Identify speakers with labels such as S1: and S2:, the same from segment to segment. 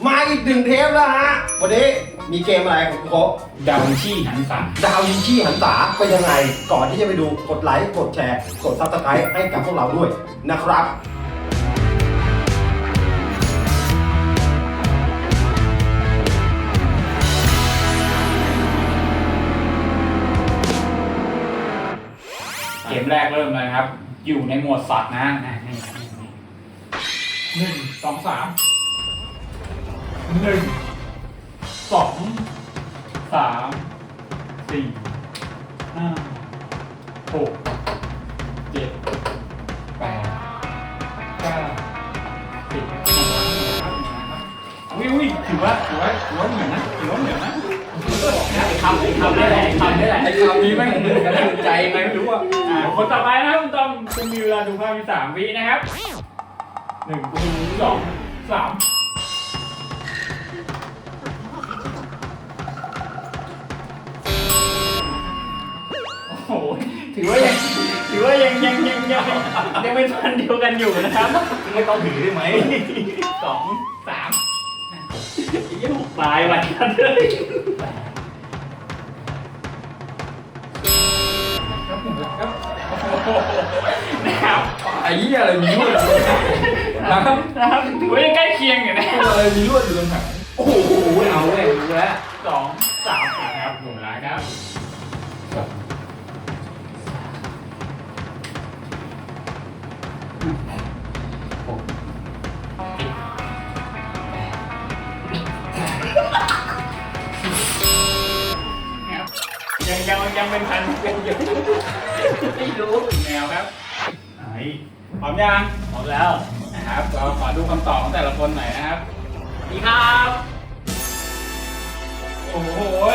S1: มาอีก1 เทปแล้วฮะวันนี้มีเกมอะไรของโค้ช
S2: ดาวินชีหันษา
S1: ดาวยิงชี่หันษาเป็นยังไงก่อนที่จะไปดูกดไลค์กดแชร์กดซับสไครต์ให้กับพวกเราด้วยนะครับ
S2: เกมแรกเริ่มเลยครับ อยู่ในหมวดสัตว์นะนี่1 2 3 1 2 3 4 5 6 7 8 9 10อุ้ยถือว่าเหมือนนะทำได้แหละทำนี้ไม่เหมือนกันใจไหมไม่รู้อ่ะคนต่อไปนะครับคุณต้อมคุณมีเวลาดูภาพมี3 วินะครับ1 2 3โอ้โหถือว่ายังเป็นพันเดียวกันอยู่นะครับไม่ต้องถือได้ไหม2 3ตายไปกันเลยนะครับ
S3: ไอ้เหี้ยอะไรมีลวด
S2: นะครับถือว่ายังใกล้เคียงอยู่นะ
S3: อะไรมีลวดอยู่ตรงไหนโอ้โหเอาเลยรู้แล้ว
S2: 2 3ครับหมดแล้วครับยังเป็นพันเป็นอยู่ไม่รู้แนวครับพร้อมยังพร้อมแล้วนะครับเราขอดูคำตอบของแต่ละคนหน่อยนะครับดีครับโอ้โห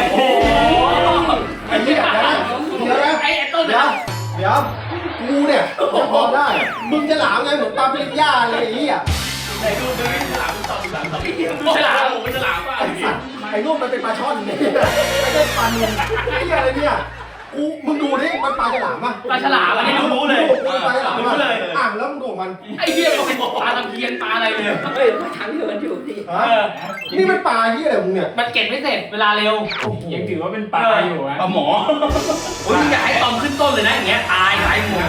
S1: ไอ้เนี่ยไอ้ต้นเดี๋ยวกูเนี่ยพอได้มึงจะหลามไงเหมือนปลาปริญญาเลยไอ้เหี้ย
S2: ไหนดูฉลามตอบฉลามผมเป็นฉลามป่ะ
S1: ไอ้รูปมันเป็นปลาช่อนเนี่ยไม่ได้ปลาเนียนไอ้เหี้ยอะไรเนี่ยมึงดูดิมันปลาฉลามป่ะ
S2: ปลาฉลามอันนี้รู้เลย
S1: ปลาฉลามเลยแล้วมึงดูมัน
S2: ไอ้เหี้ยมันเป็นปลาตะเพียนปลาอะไรเลยเฮ้ยมาทางเดียวกันอยู่ที่
S1: นี่มันปลาเหี้ยอะไรมึงเนี่ย
S2: มันเก็บไม่เสร็จเวลาเร็วยังถือว่าเป็นปลาอยู่ปลาหมอโอ้ยอยากให้ตอมขึ้นต้นเลยนะอย่างเงี้ยตายหลายหมู่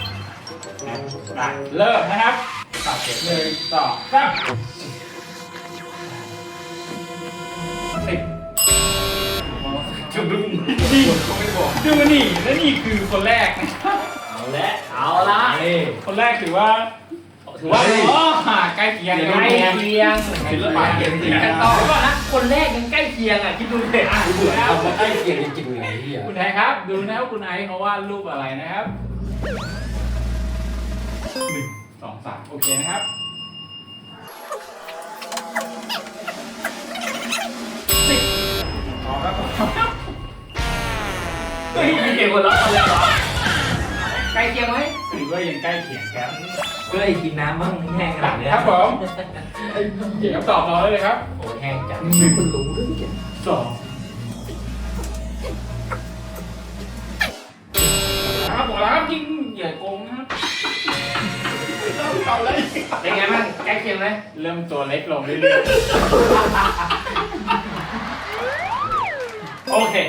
S2: เริ่มนะครับ1 2 3จุดดูนี่ดูนี่และนี่คือคนแรกนะครับเอาละคนแรกถือว่าใกล้เคียงศิลปะเก่งจริงต่อก่อนนะคนแรกยังใกล้เคียงอ่ะคิดดูเลย
S1: เบื่อทำใกล้เคียงจริงๆเลยที่
S2: คุณไอครับดูนะว่าคุณไอเขาวาดรูปอะไรนะครับ1 2 3โอเคนะครับ10ครับเฮ้ยมีเก่งกว่าเราเลยเหรอใกล้เคียงไหมถือว่ายังใกล้เคียงครับ
S3: ก็เลยกินน้ำมั่งแห้งขนาดนี้
S2: ครับผมเก่งตอบเราเลยครับ
S3: โอ้แห้งจัง
S1: คุณรู้เรื่อง
S2: 2ครับบอกแล้วครับยิ่งอย่าโกงนะครับเป็นไงบ้างใกล้เคียงไหมเริ่มตัวเล็กลงเรื่อยๆโอเค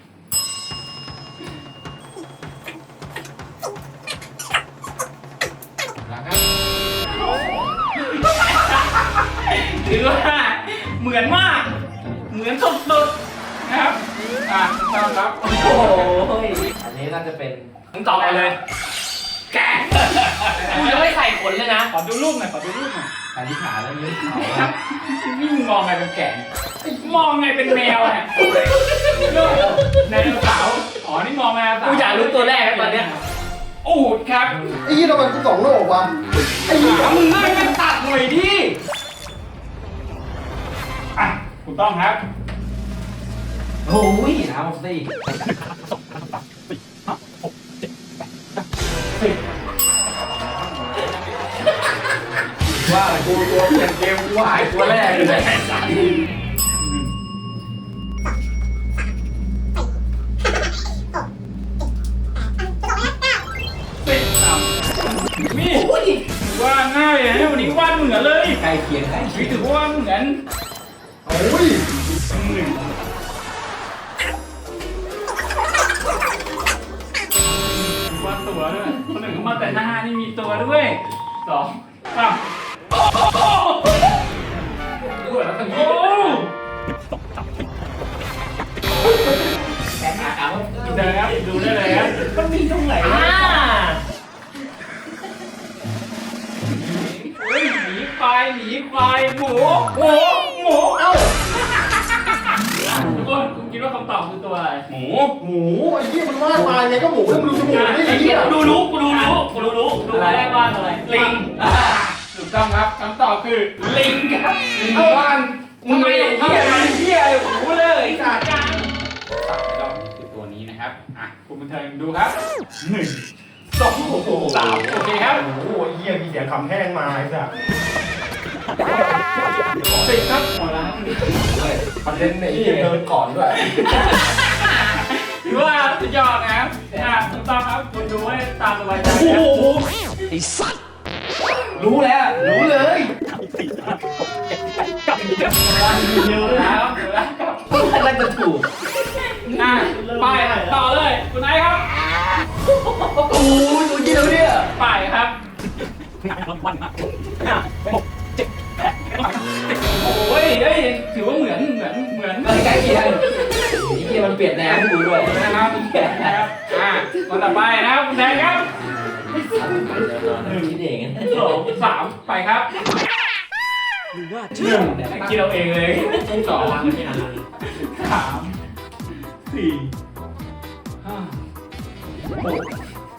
S2: ถือว่าเหมือนมากเหมือนสุดๆนะครับต้อนรับโอ้โห
S3: อันนี้น่าจะเป็น
S2: มึงตอบไปเลยแกะกูจะไม่ใส่ขนเลยนะขอดูรูปหน่อย
S3: ขาที่ขาแล้วยืดเขา
S2: ครับนี่มึงมองไงเป็นแกะมองไงเป็นแมวเนี่ยในกระเป๋าอ๋อนี่มองแมวกูอยากรู้ตัวแรกตอนเนี้ยอูดครับ
S1: ไอ้ยี่ทำไมกู2 โลกวะ
S2: ไอ้ยี่มึงเลื่อนกันตัดหน่อยดิถูกต้องครับ
S3: โอ้ยน้ำสิว่ากูตัวเปลี่ยนเกมกูหายตัวแรกเลย
S2: นี่ว่าง่ายเลยวันนี้วาดเหมือนเลย
S3: ใกล้เคียง
S2: ถือว่าเหมือน
S1: โอ้ย
S2: ว่าตัวด้วยคนหนึ่งเขามาแต่หน้านี่มีตัวด้วย2 3ดูแล้วทั้งนี้เดินครับดูได้เลยครับ
S3: มันมีตรงไหน
S2: หมีควายหมูเอ้าทุกคนคุณคิดว่าคำตอบคือตัวอะไร
S3: หมู
S1: หมูไอ้เหี้ยมันวาดมาไงก็หมูแล้วมันดูจมูกนี่ไอ้เหี้ย
S2: ดูรู้ดูแรกว่าอะไรลิงถูกต้องครับคำตอบคือลิงครับ
S3: บ้านมึงไม่เหี้ยเหี้ยหมูเลยสัตว์
S2: ตัดไปรอบนี้คือตัวนี้นะครับอ่ะคุณบันเทิงดูครับ1 2 3โอเคครับ
S1: โอ้โหไอ้เหี้ยมีเสียงคำแห้งมาไอ้สัส
S2: 10ครับหมดแล้ว
S1: ประเด็นเนี่ยไอ้เหี้ยเดินก่อนด้วย
S2: ถือว่าสุดยอดนะครับถูกต้องครับคุณดูให้ตามสบายใจ
S3: โอ้
S2: นะ
S3: โหไอ้สัตว์รู้แล้ว
S1: รู้เลย
S2: เร็วแล้วครับ
S3: อะไรจะถูก
S2: ไปต่อเลยคุณไอซ์ครับ
S3: โอ้ยตัวเดียวเนี่ย
S2: ไปครับโอ้ยเฮ้ยถือว่าเหมือน
S3: ใกล้เคียงไอ้เหี้ยมันเปลี่ยนแนวให้กูด้วย
S2: นะครับคนต่อไปนะครับคุณแทนครับ
S3: คิดเอง
S2: 2 3ไปครับ1คิดเราเองเลย2 3 4 5 6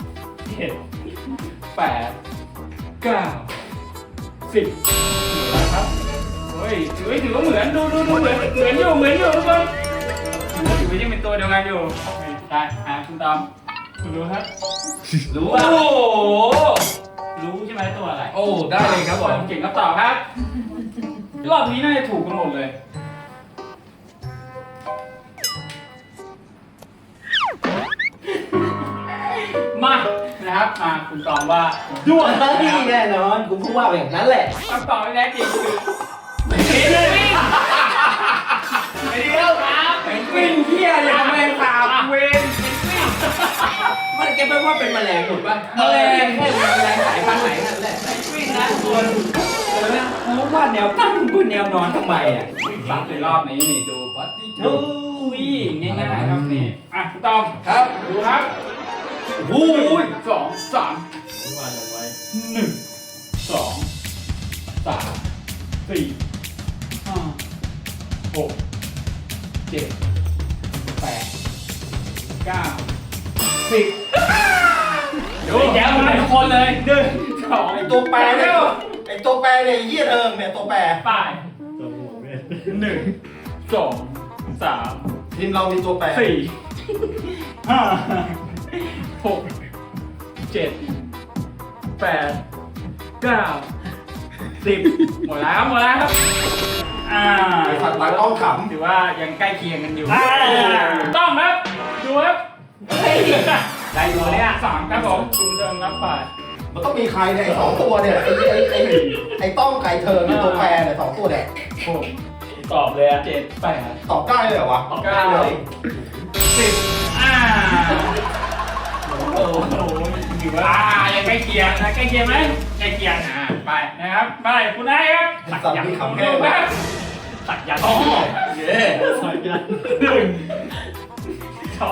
S2: 7 8 9 10นะครับเฮ้ยถือว่าเหมือนดูเหมือนอยู่ทุกคนถือว่ายังเป็นตัวเดียวกันอยู่ได้คุณตอมคุณรู้ครับ
S3: รู้ว่าโอ้โห
S2: รู้ใช่ไหมตัวอะไร
S3: โอ้ได้เลยครับผม
S2: เก่งคำตอบครับรอบนี้น่าจะถูกกันหมดเลยมานะครับคุณตอบว่าด้วง
S3: นี่แน่นอนกูพูดว่าแบบนั้นแหละ
S2: คำตอบที่แท้จริงคือเป็นวิ่งครับ
S3: วิ่งเหี้ยเนี่ยแมลงสาบ
S2: เวนเป็นวิ่ง
S3: มันแกเป็นว่าเป็นแมลงถูกป่ะแมลงแค่แมลงสายพันธุ์ไหนนั่นแหละ
S2: วิ่งนะทุกคน
S3: กูว่าแนวตั้งกูแนวนอนทำไมอ่ะ
S2: สับในรอบนี้นี่ดูปัตติทูง่ายๆครับนี่คุณตอม
S3: ครับ
S2: ดูครับ
S3: โอ้ย
S2: 2 3
S3: ว่าอะไรไว้
S2: 1 2 3 4 5 6 7 8 9 10ดูแย้มมาทุกคนเลย1 2
S1: ไอ้ตัวแปรเนี่ยไอ้ตัวแปรเนี่ยไอ้เหี้ยเทิงเนี่ยตัวแปร
S2: ไป1 2 3
S1: ทีมเรามีตัวแปร
S2: 4 5 6 7 8 9 10หมดแล้วครับ
S1: ไอ้สัตว์ตากล้องข
S2: ถือว่ายังใกล้เคียงกันอยู่ต้องครับดูครับได้อยู่เนี่ย3ครับผมคุณเดิมรับไป
S1: ำมันต้องมีใครเนี่ยไอ้สองตัวเนี่ยไอ้ต้องไก่เทิงเนี่ยตัวแปรเนี่ยสองตัวเนี่ย
S2: ตอบเลย7 8
S1: ตอบได้เลยเหรอวะ
S2: 9 10โอ้โหถือว่ายังใกล้เคียงนะใกล้เคียงไหมใกล้เคียงไปนะครับไปคุณไอ้ครับ
S1: สัตว์มีคำแห้ง
S2: ครับสักยันต์เย้สักยันต์1 2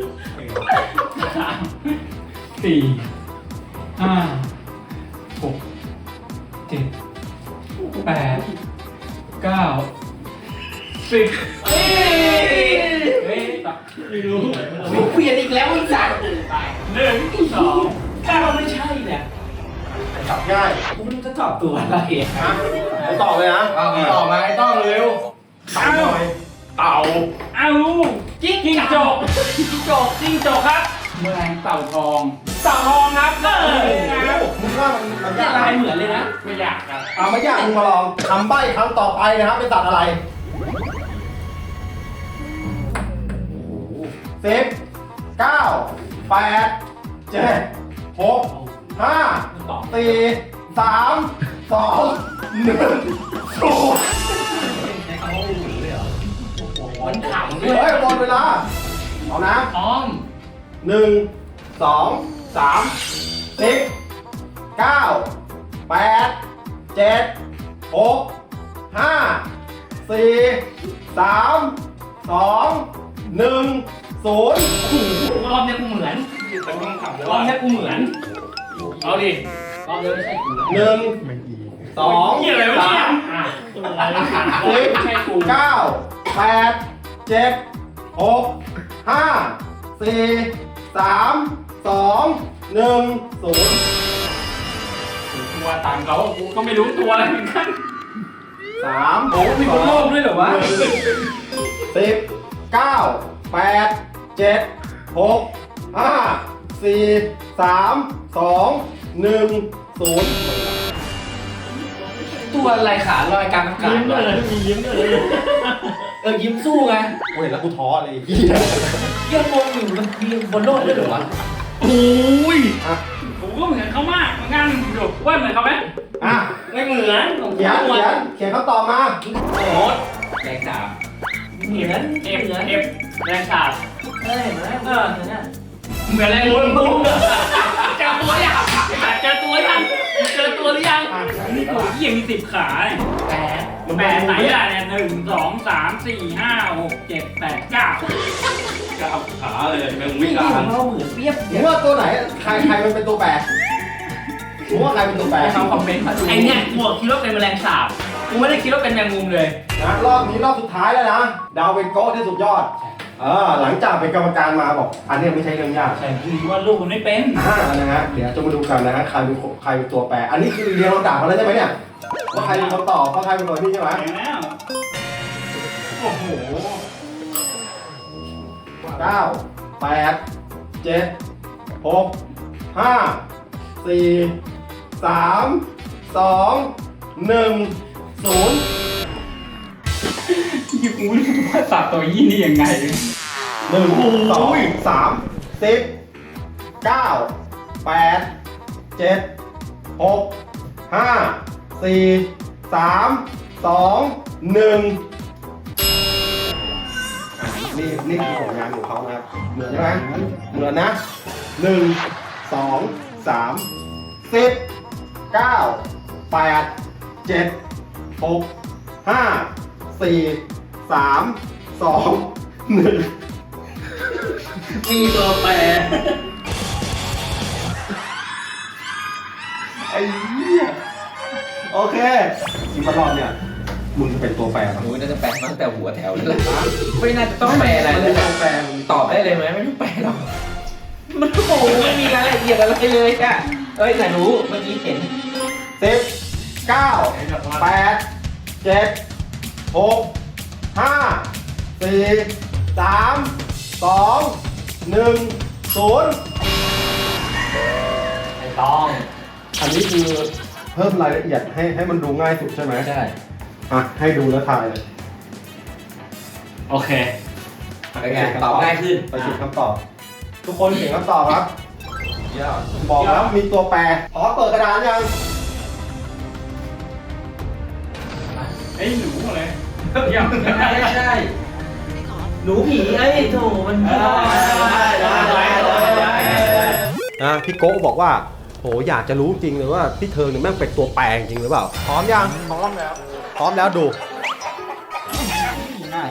S2: 3 4 5 6 7 8 9 10เฮ้ยไม่รู้
S3: เปลี่ยนอีกแล้วไอ้สัตว์
S2: 1 2
S3: ถ้าเราไม่ใช่เนี่ย
S1: จับง่าย
S3: กูไม่รู้จะตอบตัวอะไรอ่ะ
S1: นะไอ้ตอบเลยนะ
S3: ตอบมาไอ้ต้องเร็ว
S1: ถามหน่อย
S2: เต่าอ้าวจิ้งจกครับแมลงเต่าทองครับนะครับ
S1: มึงว่ามัน
S3: เนี่ย
S1: ยาก
S3: ลายเหมือนเลยนะ
S2: ไม่อยากครับ
S1: เอาไม่ยากมึงมาลองคำใบ้คำต่อไปนะครับเป็นสัตว์อะไร10 9 8 7 6 5 4 3 2 1 0 ดเวลาเอานะ
S2: อ้อม
S1: 1 2 3 10 9 8 7 6 5 4 3 2 1 0
S2: รอบนี้กูเหมือนรอบนี้กูเหมือนเอาดิรอบนี้ไม่ใช่กู
S1: 1 2
S2: เหี้ยอะไรวะเนี่ย
S1: 3
S2: ไม่ใช่กู
S1: 10 9 8 7 6 5 4 3 2 1 0
S2: ตัวตามเขากูก็ไม่รู้ตัวอะไรเหมือนกัน
S1: 3
S2: โอ้มีคนโลภด้วยเหรอวะ
S1: 10 9 8 7 6 5 4 3 2 1 0
S3: ตัวอะไรขาลอยกลางอากาศ
S2: ยิ้มเลยมียิ้มเลย
S3: ยิ้มสู้ไง
S1: โอ้ยแล้วกูท้อเลย
S3: ยังงงอยู่มันมีบนโลกด้วยเหรอวะ
S2: โอ้ย
S1: อ่ะ
S2: ผมก็เหมือนเขามากเหมือนกันดูว่าเหมือนเขาไหม
S1: อ่ะ
S2: ไม่เหมือนผม
S1: เขียนคำตอบมา
S2: โอ๊ต
S3: แรงสาม
S2: เหมือนเอฟแรงฉาบ
S3: เฮ้ยเหมือนเหมือนน่ะ
S2: เหมือนแรงมุนมุนเจอตัวยังเจอตัวยังเจอตัวหรือยังนี่ตัวเหี้ยมี10 ขาเนี่ย
S3: แปด
S2: แปดไหนล่ะเนี่ย1 2 3 4 5 6 7 8 9
S3: ขาเลยแมงมุมกลางเราเหมือนเปรียบ
S1: มึงว่าตัวไหนใครมันเป็นตัวแปรมึงว่าใครเป็นตัวแปร
S3: ให้เขาคอมเมนต์มาดู
S2: ไอเนี่ยกูคิดว่าเป็นแมลงสาบกูไม่ได้คิดว่าเป็นแมงมุมเลย
S1: นะรอบนี้รอบสุดท้ายแล้วนะดาวเป็นโก้ที่สุดยอดหลังจากเป็นกรรมการมาบอกอันนี้ไม่ใช่เรื่องยาก
S2: ใช่คือว่าลูกมันไม่เป็น
S1: นะฮะเดี๋ยวจะมาดูกันนะฮะใครเป็นตัวแปรอันนี้คือเรียนเราด่ามาแล้วใช่ไหมเนี่ยว่าใครเป็นคนตอบว่าใครเป็นคนนี่ใช่ไหม
S2: เห็นแล้วโอ้โห
S1: 9 8 7 6 5 4 3 2 1 0
S2: ยี่กูไม่รู้ว่าสัตว์ตัวยี่นี่ยังไง
S1: 1 2 3 10 9 8 7 6 5 4 3 2 1นี่คือผลงานของเขานะครับเหมือนใช่ไหมเหมือนนะ1 2 3 10 9 8 7 6 5 4 3 2 1
S3: มีตัวแปร
S1: ไอ้เหี้ยโอเคทีมบอลลอนเนี่ยมึงจะเป็นตัวแปรมั้ง
S3: โอ้ยน่าจะแปลมาตั้งแต่หัวแถวเลยไม่น่าจะต้องแปลอะไรเลย
S1: ตัวแปร
S3: ตอบได้เลยไหมไม่ต้องแปลหรอกมันโอ้โหไม่มีรายละเอียดอะไรเลยอะแต่รู้เมื่อกี้เห็น
S1: 10 9 8 7 6 5 4 3 2 1 0
S3: ไม่ต้อง
S1: อันนี้คือเพิ่มรายละเอียดให้มันดูง่ายสุดใช่ไหม
S3: ใช่
S1: อ่ะให้ดูแล้วทายเลย
S2: โอเค
S3: เป็นไงตอบง่ายขึ้น
S1: ไปเขียนคำตอบ ทุกคนเขียนคำตอบครับบอกแล้วมีตัวแปรขอเปิดกระดานยัง
S2: ไอ้หนูอะไรยัง
S3: ใช่หนูผีไอ้โถมัน
S1: พี่โก้บอกว่าโหอยากจะรู้จริงเลยว่าพี่เทิงเนี่ยแม่งเป็นตัวแปรจริงหรือเปล่าพร้อมยังพร้อมแล้วดู
S2: ง่าย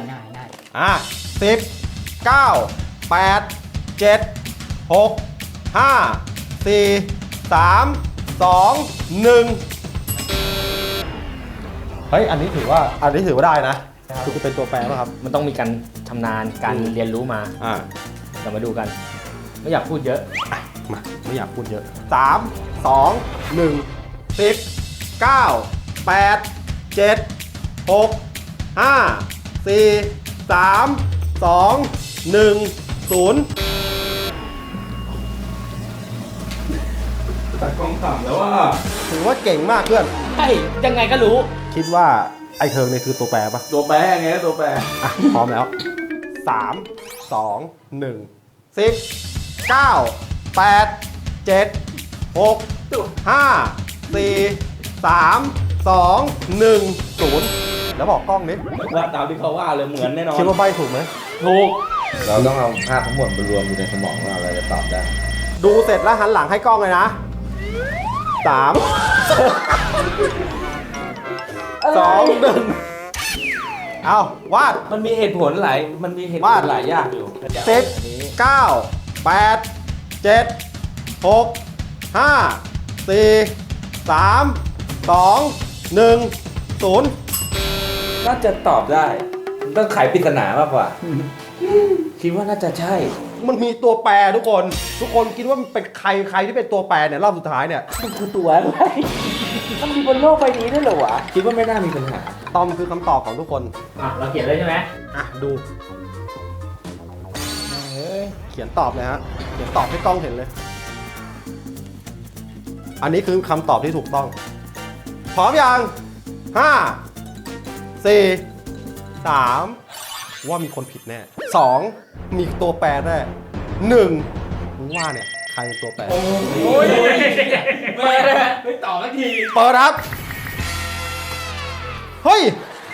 S1: 10 9 8 7 6 5 4 3 2 1เฮ้ยอันนี้ถือว่าได้นะคือจะเป็นตัวแปรป่ะครับ
S4: มันต้องมีการชำนาญการเรียนรู้มา เรามาดูกัน ไม่อยากพูดเยอะ
S1: มาไม่อยากพูดเยอะ3 2 1 10 9 8 7 6 5 4 3 2 1 0
S3: ตัดกล้องขำแล้วว่า
S1: ถือว่าเก่งมากเพื่อน
S4: ใช่ ยังไงก็รู้
S1: คิดว่าไอ้เทิงเนี่ยคือตัวแปรปะ
S3: ตัวแปรไงตัวแปร
S1: อ่ะพร้อมแล้ว3 2 1 10 9 8 7 6 5 4 3 2 1 0แล้วบอกกล้องนิด
S3: ว่าตามที่เขาว่าเลยเหมือนแน่นอน
S1: คิดว่าใบถูกไหม
S4: ถูก
S3: เราต้องเอาภาพทั้งหมดมารวมอยู่ในสมองเราเราจะตอบได้
S1: ดูเสร็จแล้วหันหลังให้กล้องเลยนะ3 2 1เอาวาด
S3: มันมีเหตุผลหลายหลายอย่างอยู่
S1: 10 9 8 7 6 5 4 3 2 1 0
S3: น่าจะตอบได้ต้องไขปริศนามากกว่า คิดว่าน่าจะใช่
S1: มันมีตัวแปรทุกคนคิดว่ามันเป็นใครที่เป็นตัวแปรเนี่ยรอบสุดท้ายเนี่ย
S3: มันคือตัวอะไรมันมีบนโลกใบนี้ด้วยเหรอวะ คิดว่าไม่น่ามีปัญหา
S1: ตอมคือคำตอบของทุกคน
S4: อ่ะเราเขียนเลยใช่ไหม
S1: อ่ะดูเขียนตอบเลยฮะเขียนตอบให้กล้องเห็นเลย อันนี้คือคำตอบที่ถูกต้องพร้อมยัง5 4 3ว่ามีคนผิดแน่2มีตัวแปรแน่1มึงว่าเนี่ยใครเป็นตัวแปร
S2: โอ้ยไม่ตอบสักที
S1: เปิดครับเฮ้ย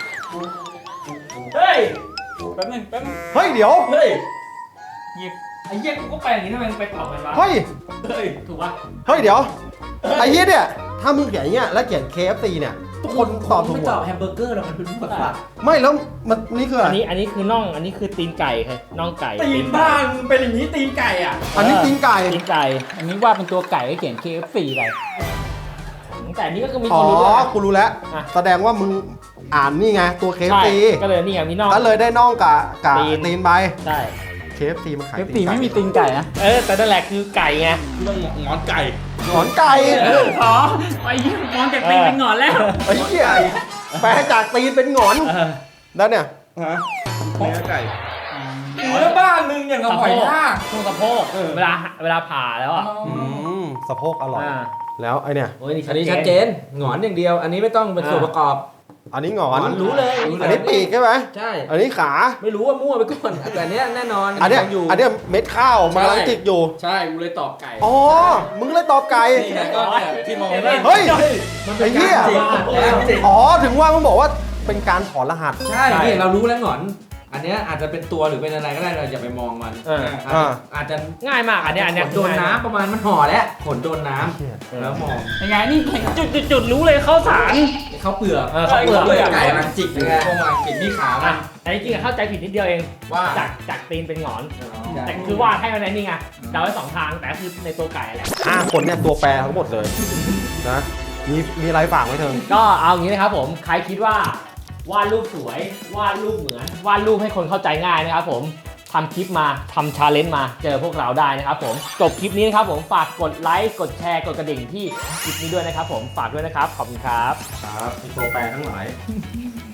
S2: เฮ้ยแป๊บนึง
S1: เฮ้ยเดี๋ยว
S2: เฮ้ยไอ้เหี้ยกูก็ไปอย่างนี้ทำไมมึงไปตอบมันวะ
S1: เฮ้ย
S2: เฮ้ยถูกปะ
S1: เฮ้ยเดี๋ยวไอ้เหี้ยเนี่ยถ้ามึงเขียนอย่างเงี้ยแล้วเขียน KFC เนี่ยทุกคนตอบถูก
S3: ไม่
S1: หม
S3: ตอบ
S1: ด
S3: แฮมเบอร์เกอร์หรอกมันเป็นผักผัก
S1: ไม่แล้วมันนี่คืออะ
S4: อั
S1: ไร
S4: นนี้คือน่อง อันนี้คือตีนไก่ค่ะน่องไก่
S2: ตีนบ้านมึงเป็นอย่างนี้ตีนไก่อ่ะ
S1: อันนี้ตีนไก่
S4: ตีนไก่
S5: อันนี้ว่าเป็นตัวไก่ก็เขียน KFC ไป
S4: แต่อันนี้ก็มี
S1: อ๋
S4: ค
S1: อน
S4: รู้ด้วยนะ
S1: กูรู้แล้ว
S4: อ่ะ
S1: แสดงว่ามึงอ่านนี่ไงตัว
S4: ใช่
S1: KFC
S4: ก็เลยนี่ไงมีน่อง
S1: ก็เลยได้น่องกับ
S4: ตีน
S1: ตีนไป
S4: ใช่
S1: KFC มันขาย
S5: KFC
S1: ตีนไก่
S5: ไม่มีตีนไก่นะ
S4: แต่นั่นแหละคือไก่ไง
S3: งอนไก่
S1: หงอนไก่
S2: อ๋อไอ้เหี้ยมองจากตีนเป็นหงอนแล้ว
S1: ไอ้เหี้ยแปลจากตีนเป็นหงอนแล้วเนี่ย
S3: ฮะเนื้อไก่
S2: เนื้อบ้านมึงอย่างกับหอยทาก
S4: ช่วงสะโพกเวลาผ่าแล้วอ่ะ
S1: สะโพกอร่อย
S4: อ่า
S1: แล้วไอเนี่ย
S4: โอ้ยนี่
S3: อันนี้ชัดเจนหงอนอย่างเดียว อันนี้ไม่ต้องเป็นส่วนประกอบ
S1: อันนี้หงอน
S3: รู้เลย
S1: อันนี้ปีกใช่ไหม
S3: ใช่
S1: อันนี้ขา
S3: ไม่รู้ว่ามั่วไปก่อนแต่อันเนี้ยแน่นอน
S1: อันเนี้ย
S3: ยังอยู่
S1: อันเนี้ยเม็ดข้าวมาลังจิกอยู่
S2: ใช่กูเลยตอบไก่
S1: อ๋อ มึงเลยตอบไก่
S2: นี่ไงก็เนี่ยที่มองได้
S1: เฮ้ย
S3: มัน
S1: ไอ้เหี้ย
S3: จริง
S1: อ๋อ ถึงว่ามึงบอกว่าเป็นการถอนรหัส
S3: ใช่นี่เรารู้แล้วหงอน อันเนี้ยอาจจะเป็นตัวหรือเป็นอะไรก็ได้เราอย่าไปมองมัน อาจจะ
S4: ง่ายมากอันเนี้ย
S3: ขนโดนน้ำประมาณมันห่อแล้วขนโดนน้ำแล้วมอง
S2: ยังไงนี่เห็น
S4: จุดรู้เลยเข้าสาร
S3: เขาเปลือก
S4: เขาเปลือก
S3: ไก่มันจิกยังไงพวกมันกินที่ขามั
S4: อ่ะ
S3: น
S4: แต่จริงๆเข้าใจผิดนิดเดียวเอง
S3: ว่า
S4: จากตีนเป็นหงอน แต่คือวาดให้มันในนี่ไงเดาไว้2ทางแต่คือในตัวไก่แหละ
S1: คนเนี่ยตัวแปรทั้งหมดเลยนะ มีอะไรฝากไว้เธอ
S4: ก็เอางี้นะครับผมใครคิดว่าวาดรูปสวยวาดรูปเหมือนวาดรูปให้คนเข้าใจง่ายนะครับผมทำคลิปมาทำชาเลนจ์มาเจอพวกเราได้นะครับผมจบคลิปนี้นะครับผมฝากกดไลค์กดแชร์กดกระดิ่งที่คลิปนี้ด้วยนะครับผมฝากด้วยนะครับขอบคุณครับ
S1: ครับมีตัวแปรทั้งหลาย